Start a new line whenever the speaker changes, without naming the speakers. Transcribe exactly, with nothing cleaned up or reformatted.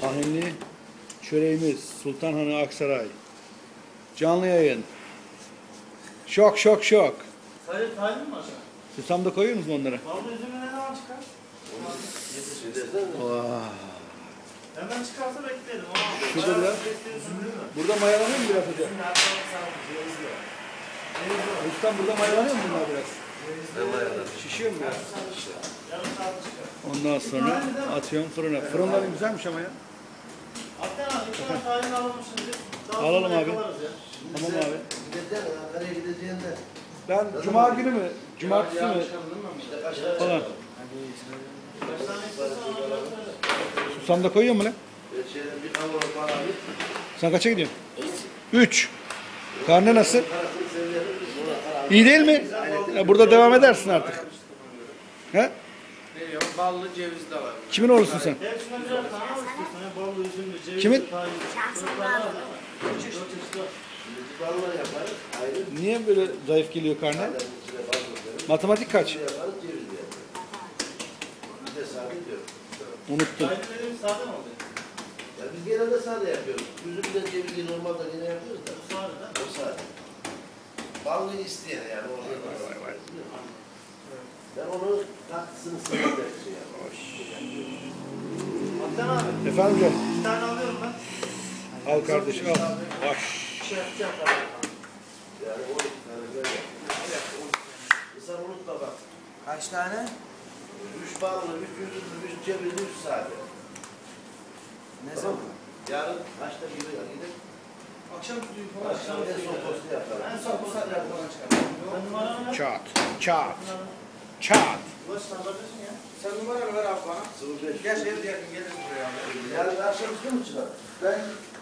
Tahinli çöreğimiz Sultanhanı Aksaray. Canlı yayın. Şok şok şok.
Sadece tahin mi aşağı?
Susam da koyuyor musunuz onlara?
Ballı üzümü ne zaman çıkar?
Oh.
Hemen çıkarsa bekleyelim.
Şurada biraz. Burada mayalanıyor mu biraz hocam? Ustam burada mayalanıyor mu bunlar biraz? Şişiyor mu biraz? Ondan sonra atıyorum fırına. Fırınların güzelmiş ama ya.
Hatta abi bir tane tahin alalım şimdi. Daha
Alalım
sonra
abi.
yakalarız ya.
Tamam abi.
Gideceksin, Ankara'ya gideceğinde.
Ben cuma günü mü? Cumartesi mi?
İşte kaç tane
Falan.
Kaç tane istiyorsan onları söyle.
Susam da koyuyor mu lan?
Bir şeyden bir kavanoz bana bir.
Sen kaça gidiyorsun? Üç. Karne nasıl?
Parasını seviyorum. Buna para
İyi değil mi? Ya burada devam edersin artık. He?
Veriyorum. Ballı ceviz de var.
Kimin oğlusun sen?
Hepsinden birer tane al istiyorsan. ya. Ballı üzümlü, cevizli,
Kimin?
tahin. Çocuklar var değil mi? Dört çeşit var.
ballar yaparız. Ayrı.
Niye böyle zayıf geliyor karne?
Adamın içine bal koyarız.
Matematik kaç?
Bir yaparız, ceviz de yaparız. Bir de sade diyor.
Unuttum.
Tahin dediğimiz sade mi oldu?
Ya biz genelde sade yapıyoruz. Üzümle cevizi normalde yine yapıyoruz da.
Bu sade de.
O sade. Ballı isteyen yani. Orada ben onu tatlısını seviyorum.
Hatta abi.
Efendim canım.
Bir tane alıyorum ben.
Al kardeşim al. Baş.
Şey yapacağım kadar.
Yani o iki tane böyle. Sen unutma bak.
Kaç tane?
Üç ballı, üç üzümlü, üç cevizli, üç sade.
Ne zaman?
Yarın kaçta gibi gidelim?
Akşam suyu
Akşam en son postu yaparım.
En son bu saatte falan çıkar. Ben numaranı ver.
Çat. Çat. Çat.
Ulaş sen bakıyorsun ya.
Sen numaranı ver abi bana.
sıfır beş.
Geç evde yakın geliriz buraya abi.
Yarın akşam üstü mü çıkar?
Ben